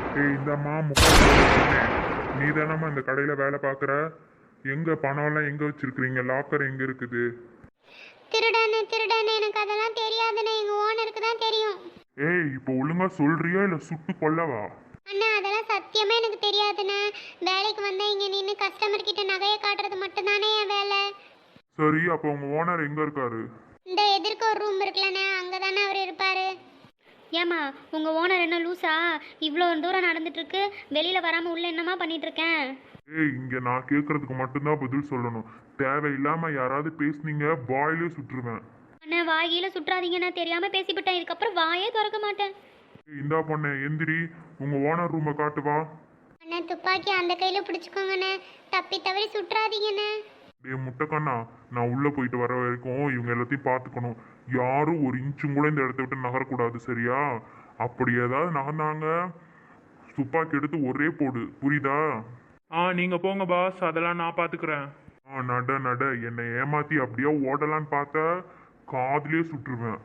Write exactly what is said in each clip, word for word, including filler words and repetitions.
ஏய் இந்தம்மா முக்கால் நீ தானம்மா இந்த கடையில் வேலை பார்க்குற? எங்கே பணம்லாம் எங்கே வச்சிருக்கிறீங்க? லாக்கர் எங்கே இருக்குது? திருடனே திருடனே எனக்கு அதெல்லாம் தெரியாதுண்ணே, எங்க ஓனருக்கு தான் தெரியும். ஏய் இப்போ ஒழுங்கா சொல்றியா இல்லை சுட்டு கொல்லவா? அண்ணா அதெல்லாம் சத்தியமே எனக்கு தெரியாதுண்ணே. வேலைக்கு வந்தா இங்க நின்று கஸ்டமர் கிட்ட நகையை காட்டுறது மட்டும்தானே என் வேலை. சரி அப்போ உங்கள் ஓனர் எங்கே இருக்காரு? இந்த எதிர்க்க ஒரு ரூம் இருக்குல்லண்ணே, அங்கதானே அவர் இருப்பாரு. ஏம்மா உங்கள் ஓனர் என்ன லூஸா? இவ்வளோ தூரம் நடந்துட்டு இருக்கு, வெளியில் வராமல் உள்ள என்னம்மா பண்ணிட்டு இருக்கேன்? ஏய் இங்கே நான் கேட்கறதுக்கு மட்டும்தான் பதில் சொல்லணும். தேவையில்லாமல் யாராவது பேசுனீங்க வாயிலே சுட்டுருவேன். அண்ணா வாயில சுற்றாதீங்கண்ணா, தெரியாமல் பேசிவிட்டேன். இதுக்கப்புறம் வாயே திறக்க மாட்டேன். ஏய், இந்தா பொண்ணு எந்திரி, உங்கள் ஓனர் ரூமை காட்டுவா. அண்ணா துப்பாக்கி அந்த கையில பிடிச்சுக்கோங்கண்ணே, தப்பி தவறி சுற்றாதீங்கண்ணே. டே முட்டைக்கண்ணா, நான் உள்ளே போயிட்டு வர வரைக்கும் இவங்க எல்லாத்தையும் பார்த்துக்கணும். யாரும் ஒரு இன்ச்சும் கூட இந்த இடத்த விட்டு நகரக்கூடாது, சரியா? அப்படி ஏதாவது நகர்ந்தாங்க துப்பாக்கி எடுத்து ஒரே போடு, புரியுதா? ஆ நீங்கள் போங்க பாஸ், அதெல்லாம் நான் பார்த்துக்கிறேன். ஆ நட நட, என்னை ஏமாத்தி அப்படியே ஓடலான்னு பார்த்தா காதுலயே சுட்டுருவேன்.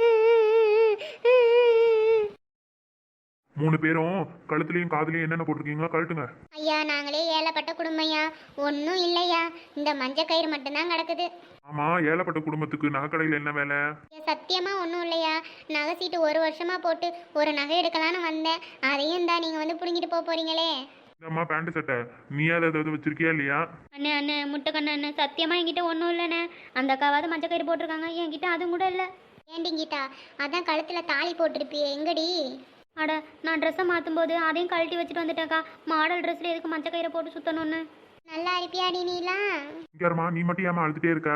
மூணு பேரும் கழுத்துலையும் காதுலையும் என்னென்ன போட்டிருக்கீங்களா கழட்டுங்க. ஐயா நாங்களே ஏழைப்பட்ட குடும்பம்யா, ஒன்றும் இல்லையா, இந்த மஞ்ச கயிறு மட்டும்தான் கிடக்குது. ஆமா, ஏழைப்பட்ட குடும்பத்துக்கு நகைக்கடையில் என்ன வேலை? ஏன் சத்தியமா ஒன்றும் இல்லையா, நகை சீட்டு ஒரு வருஷமா போட்டு ஒரு நகை எடுக்கலான்னு வந்தேன், அதையும் தான் நீங்கள் வந்து பிடுங்கிட்டு போக போறீங்களே. இந்தம்மா பேண்ட் சட்டை, நீ ஏதாவது வச்சிருக்கியா இல்லையா? அண்ணே அண்ணே முட்டைக்கண்ணு அண்ணே, சத்தியமாக என்கிட்ட ஒன்றும் இல்லைண்ணே. அந்த அக்காவாவது மஞ்சள் கயிறு போட்டிருக்காங்க, என்கிட்ட அதுவும் கூட இல்லை. ஏண்டிங்கிட்டா அதான் கழுத்தில் தாலி போட்டிருப்பியே, எங்கடி? அட நான் ட்ரெஸ்ஸை மாற்றும் போது அதையும் கழட்டி வச்சுட்டு வந்துட்டேன்க்கா. மாடல் ட்ரெஸ்ஸில் எதுக்கு மஞ்சள் கயிறை போட்டு சுற்றணும்னு. நல்லா இருப்பியாடி நீலாம்? இங்கேம்மா நீ மட்டும் ஏமா அழுதுட்டே இருக்க?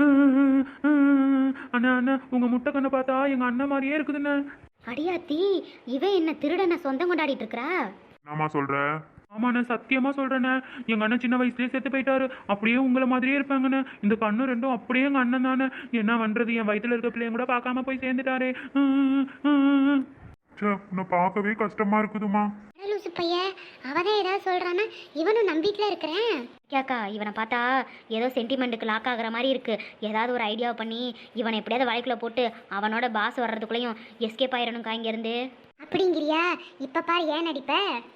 அண்ணா அண்ணா உங்கள் முட்டைக்கண்ணை பார்த்தா எங்கள் அண்ணன் மாதிரியே இருக்குதுண்ணே. அடியாத்தி, இவன் என்ன திருடனை சொந்தம் கொண்டாடிட்டு இருக்கிறா? நாமா சொல்ற? ஆமாண்ணே சத்தியமாக சொல்கிறேண்ணே, எங்கள் அண்ணன் சின்ன வயசுலேயே செத்து போயிட்டாரு. அப்படியே உங்களை மாதிரியே இருப்பாங்கண்ணே. இந்த கண்ணு ரெண்டும் அப்படியே எங்கள் அண்ணன் தானே. என்ன பண்ணுறது, என் வயிற்றுல இருக்க பிள்ளைங்க கூட பார்க்காம போய் சேர்ந்துட்டாரே. சே, உன்னை பார்க்கவே கஷ்டமா இருக்குதுமா. லூசு பையன், அவதான் ஏதாவது சொல்றானா, இவனும் நம்பிட்டுல இருக்கிறேன். கேக்கா இவனை பார்த்தா ஏதோ சென்டிமெண்ட்டுக்கு லாக் ஆகுற மாதிரி இருக்கு. ஏதாவது ஒரு ஐடியாவை பண்ணி இவனை எப்படியாவது வலைக்குள்ள போட்டு அவனோட பாஸ் வர்றதுக்குள்ளேயும் எஸ்கேப் ஆயிடணும்க்கா இங்கேருந்து. அப்படிங்கிறியா? இப்ப பாரு ஏன் நடிப்ப.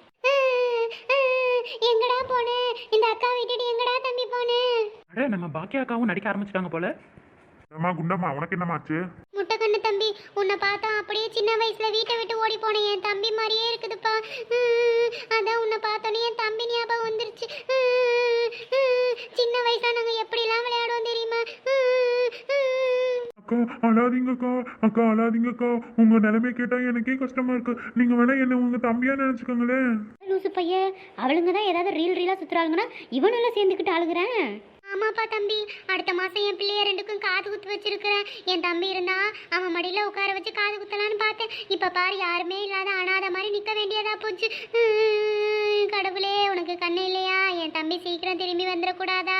எங்கடா போனே, இந்த அக்கா விட்டுட்டு எங்கடா தம்பி போனே? அட நம்ம பாக்கியா அக்காவும் நடிக்க ஆரம்பிச்சிட்டாங்க போல. அம்மா குண்டம்மா, உனக்கு என்னமாச்சு? முட்டைக்கண்ணு தம்பி, உன்னை பார்த்தா அப்படியே சின்ன வயசுல வீட்டை விட்டு ஓடி போனேன், என் தம்பி மாதிரியே இருக்குதுப்பா. அதான் உன்னை பார்த்தோன்னே என் தம்பி ஞாபகம் வந்துருச்சு. சின்ன வயசுல நாங்க எப்படிலாம் விளையாடுவோம் தெரியுமா? அக்கா அழாதீங்கக்கா, அக்கா அழாதீங்கக்கா. உங்க நிலைமை கேட்டா எனக்கே கஷ்டமா இருக்கு. நீங்க வேணா என்ன உங்க தம்பியா நினைச்சுக்கோங்களேன். லூசு பையன், அவளுங்க தான் ஏதாவது ரீல் ரீலாக சுற்றுறாளுங்கன்னா இவனெல்லாம் சேர்ந்துக்கிட்டு அழுகிறேன். ஆமாப்பா தம்பி, அடுத்த மாசம் என் பிள்ளைய ரெண்டுக்கும் காது குத்து வச்சிருக்கிறேன். என் தம்பி இருந்தா அவன் மடியில உட்கார வச்சு காது குத்தலான்னு பார்த்தேன். இப்ப பாரு யாருமே இல்லாத அனாத மாதிரி நிக்க வேண்டியதா போச்சு. கடவுளே, உனக்கு கண்ணு இல்லையா? என் தம்பி சீக்கிரம் திரும்பி வந்துடக்கூடாதா?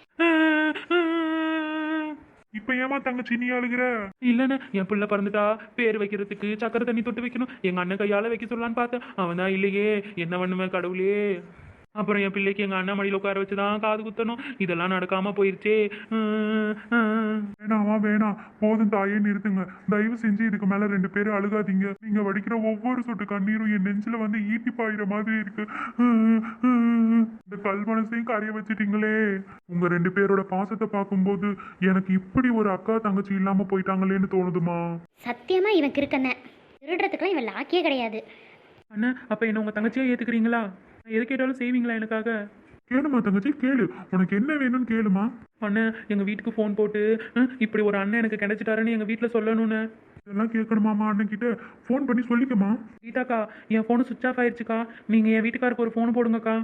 இப்ப ஏமா தங்கச்சி நீ அழுகிற? இல்லைண்ணே, என் பிள்ளை பிறந்துட்டா பேர் வைக்கிறதுக்கு சக்கரை தண்ணி தொட்டு வைக்கணும். எங்கள் அண்ணன் கையால் வைக்க சொல்லலான்னு பார்த்தேன். அவன் தான் இல்லையே, என்ன பண்ணுவேன் கடவுளே. அப்புறம் என் பிள்ளைக்கு எங்கள் அண்ணன் மடியில் உட்கார வச்சு தான் காது குத்தணும். இதெல்லாம் நடக்காமல் போயிடுச்சே. வேணாமா வேணாம், போதும் தாயே நிறுத்துங்க. தயவு செஞ்சு இதுக்கு மேல ரெண்டு பேரும் அழுகாதீங்க. நீங்க வடிக்கிற ஒவ்வொரு சொட்டு கண்ணீரும் என் நெஞ்சில வந்து ஈட்டி பாயிற மாதிரி இருக்கு. இந்த கல் மனசையும் கரைய வச்சுட்டீங்களே. உங்க ரெண்டு பேரோட பாசத்தை பார்க்கும்போது எனக்கு இப்படி ஒரு அக்கா தங்கச்சி இல்லாம போயிட்டாங்களேன்னு தோணுதுமா. சத்தியமாக இவன் கிறுக்கண்ண, திருடுறதுக்குலாம் இவன் லாக்கியே கிடையாது. அண்ணா அப்போ என்ன உங்கள் தங்கச்சியாக ஏற்றுக்கிறீங்களா? எது கேட்டாலும் செய்வீங்களா எனக்காக? கேளுமா தங்கச்சி கேளு, உனக்கு என்ன வேணும்னு கேளுமா. அண்ணன் எங்கள் வீட்டுக்கு ஃபோன் போட்டு இப்படி ஒரு அண்ணன் எனக்கு கிடைச்சிட்டாருன்னு எங்கள் வீட்டில் சொல்லணும்னு. இதெல்லாம் கேட்கணுமாமா? அண்ணன் கிட்ட ஃபோன் பண்ணி சொல்லிக்கமா. கீதாக்கா, என் ஃபோனு சுவிச் ஆஃப் ஆயிடுச்சுக்கா. நீங்கள் என் வீட்டுக்காருக்கு ஒரு ஃபோன் போடுங்கக்கா.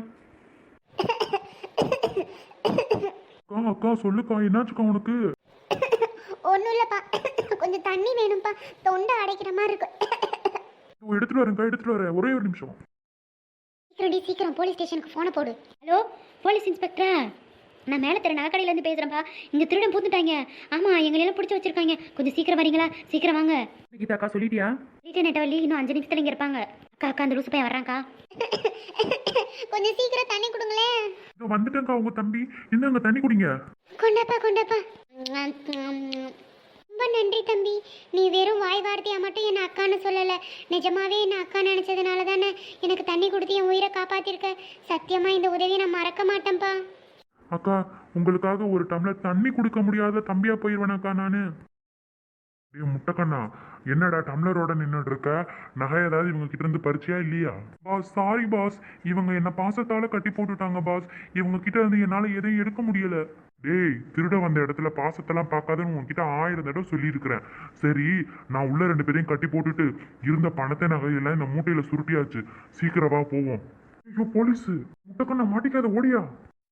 அக்கா அக்கா சொல்லுக்கா, என்னாச்சுக்கா உனக்கு? ஒன்றும் இல்லைப்பா, கொஞ்சம் தண்ணி வேணும்ப்பா, தொண்டை அடைக்கிற மாதிரி இருக்கு. எடுத்துட்டு வரேன்க்கா, எடுத்துட்டு வரேன், ஒரே ஒரு நிமிஷம். சீக்கிரம் சீக்கிரம் போலீஸ் ஸ்டேஷனுக்கு ஃபோனை போடு. ஹலோ போலீஸ் இன்ஸ்பெக்டரா, நான் மேலே தெரு நகைக்கடையிலேருந்து பேசுகிறேன்ப்பா. இங்கே திருடன் பூந்துட்டாங்க. ஆமாம், எங்களெல்லாம் பிடிச்சி வச்சிருக்காங்க. கொஞ்சம் சீக்கிரம் வரீங்களா? சீக்கிரம் வாங்க. கீதாக்கா சொல்லிட்டியா? ரீட்டன் நெட்டவள்ளி இன்னும் அஞ்சு நிமிஷத்தில் இங்கே இருப்பாங்க. அக்கா அக்கா அந்த லூசு பையன் வர்றாங்க்கா. கொஞ்சம் சீக்கிரம் தண்ணி கொடுங்களேன். இதோ வந்துட்டேங்க்கா உங்க தம்பி. இந்தாங்க தண்ணி குடிங்க. கொண்டாப்பா கொண்டாப்பா. ரொம்ப நன்றி தம்பி. நீ வெறும் வாய் வார்த்தையா மட்டும் என்ன அக்கான்னு சொல்லல, நிஜமாவே என்ன அக்கா நினைச்சதுனால தானே எனக்கு தண்ணி கொடுத்து என் உயிரை காப்பாத்திருக்க. சத்தியமா இந்த உதவியை நான் மறக்க மாட்டேன்ப்பா. அக்கா உங்களுக்காக ஒரு டம்ளர் தண்ணி கொடுக்க முடியாத தம்பியா போயிடுவேனாக்கா நானு. டேய் முட்டைக்கண்ணா, என்னடா டம்ளரோட நின்றுட்டு இருக்க? நகை ஏதாவது இவங்க கிட்ட இருந்து பறிச்சியா இல்லையா? பாஸ் சாரி பாஸ், இவங்க என்ன பாசத்தால கட்டி போட்டுட்டாங்க பாஸ். இவங்க கிட்ட இருந்து என்னால எதையும் எடுக்க முடியல. டேய் திருட வந்த இடத்துல பாசத்தெல்லாம் பார்க்காதுன்னு உங்ககிட்ட ஆயிரம் தடவை சொல்லியிருக்கிறேன். சரி நான் உள்ள ரெண்டு பேரையும் கட்டி போட்டுட்டு இருந்த பணத்தை நகையெல்லாம் இந்த மூட்டையில சுருட்டியாச்சு. சீக்கிரமா போவோம். ஐயோ போலீஸ்! முட்டைக்கண்ணா மாட்டிக்காத, ஓடியா.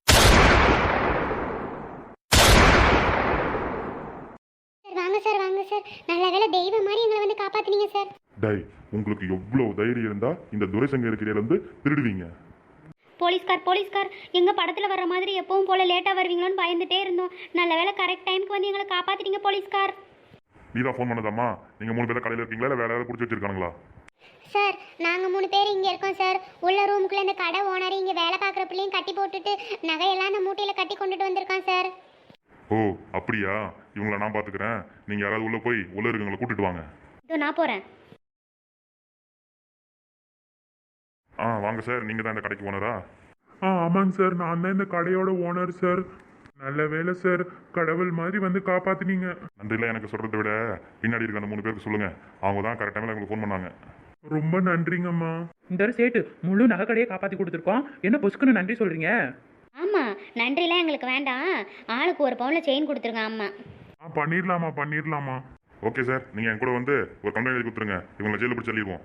சார் வாங்க சார், வாங்க சார். நல்ல வேளை தெய்வம் மாதிரி எங்களை வந்து காப்பாத்துனீங்க சார். டேய் உங்களுக்கு எவ்வளவு தைரியம் இருந்தா இந்த துரைசங்க இருக்கிற இருந்து திருடுவீங்க? போலீஸ்கார் போலீஸ்கார் எங்க படத்துல வர்ற மாதிரி எப்பவும் போல லேட்டா வருவீங்களோன்னு பயந்துட்டே இருந்தோம். நல்ல வேளை கரெக்ட் டைம்க்கு வந்து எங்களை காப்பாத்திட்டீங்க போலீஸ்கார். நீ தான் ஃபோன் பண்ணதாம்மா? நீங்க மூணு பேரும் கடையில் இருக்கீங்களா இல்லை வேற யாராவது பிடிச்சி வச்சிருக்காங்களா? சார் நாங்கள் மூணு பேர் இங்கே இருக்கோம் சார். உள்ள ரூமுக்குள்ளே இந்த கடை ஓனர் இங்கே வேலை பார்க்குற பிள்ளையும் கட்டி போட்டுட்டு நகையெல்லாம் அந்த மூட்டையில் கட்டி கொண்டுட்டு வந்திருக்கான் சார். ஓ அப்படியா? இவங்களை நான் பார்த்துக்கிறேன். நீங்க யாராவது உள்ள போய் உள்ள இருக்கவங்களை கூட்டிட்டு வாங்க. இதோ நான் போறேன். ஆ வாங்க சார், நீங்க தான் இந்த கடைக்கு ஓனரா? ஆ ஆமாங்க சார், நான் தான் இந்த கடையோட ஓனர் சார். நல்ல வேலை சார், கடவுள் மாதிரி வந்து காப்பாத்தினீங்க. நன்றிலாம் எனக்கு சொல்றதை விட பின்னாடி இருக்க அந்த மூணு பேருக்கு சொல்லுங்க. அவங்க தான் கரெக்ட் டைமில் எங்களுக்கு ஃபோன் பண்ணாங்க. ரொம்ப நன்றிங்கம்மா. இந்த ஒரு சேட்டு முழு நகை கடையை காப்பாற்றி கொடுத்துருக்கோம், என்ன பொசுக்குன்னு நன்றி சொல்கிறீங்க? ஆமா நன்றிலாம் எங்களுக்கு வேண்டாம். ஆளுக்கு ஒரு பவுன்ல செயின் கொடுத்துருங்க. ஆமா ஆ பண்ணிடலாமா பண்ணிடலாமா. ஓகே சார், நீங்க என் கூட வந்து ஒரு கம்ப்ளைண்ட் எழுதி கொடுத்துருங்க. இவங்களை ஜெயிலில் பிடிச்சி தள்ளிடுவோம்.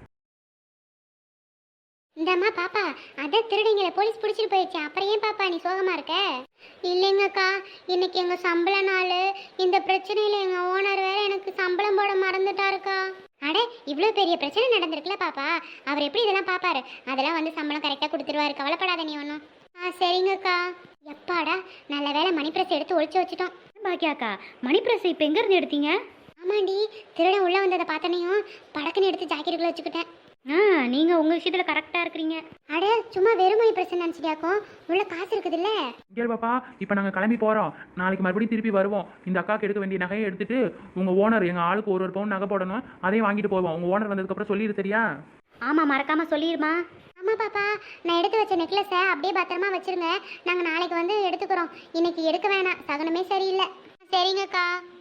இந்தம்மா பாப்பா, அதான் திருடிங்களை போலீஸ் பிடிச்சிட்டு போயிடுச்சு. அப்புறம் ஏன் பாப்பா நீ சோகமா இருக்க? இல்லைங்கக்கா, இன்னைக்கு எங்க சம்பள நாள். இந்த பிரச்சனையில எங்க ஓனர் வேற எனக்கு சம்பளம் போட மறந்துட்டாருக்கா. அட இவ்வளோ பெரிய பிரச்சனை நடந்திருக்குல பாப்பா, அவர் எப்படி இதெல்லாம் பாப்பாரு? அதெல்லாம் வந்து சம்பளம் கரெக்டாக கொடுத்துருவாரு, கவலைப்படாத நீ ஒன்றும். ஆ சரிங்கக்கா. எப்பாடா நல்ல வேலை மணி பிரஸ் எடுத்து ஒழிச்சு வச்சுட்டோம். பாக்கியாக்கா மணி பிரஸ் இப்போ எங்க இருந்து எடுத்தீங்க? ஆமாண்டி, திருடன் உள்ள வந்ததை பார்த்தனையும் படக்குன்னு எடுத்து ஜாக்கெட்டுக்குள்ள வச்சுக்கிட்டேன். ஆ நீங்க உங்க விஷயத்துல கரெக்டா இருக்கிறீங்க. அட சும்மா வெறும் மணி பிரஸ் நினச்சிட்டியாக்கும், உள்ள காசு இருக்குதுல்ல. இங்கே பாப்பா, இப்போ நாங்கள் கிளம்பி போகிறோம். நாளைக்கு மறுபடியும் திருப்பி வருவோம். இந்த அக்காவுக்கு எடுக்க வேண்டிய நகையை எடுத்துட்டு உங்கள் ஓனர் எங்கள் ஆளுக்கு ஒரு ஒரு பவுன் நகை போடணும், அதையும் வாங்கிட்டு போவோம். உங்கள் ஓனர் வந்ததுக்கப்புறம் சொல்லிடு சரியா? ஆமா மறக்காம சொல்லிடுமா. ஆமா பாப்பா, நான் எடுத்து வச்ச நெக்லஸை அப்படியே பத்திரமா வச்சிருங்க. நாங்கள் நாளைக்கு வந்து எடுத்துக்கிறோம். இன்னைக்கு எடுக்க வேணாம், சகனமே சரியில்லை. சரிங்கக்கா.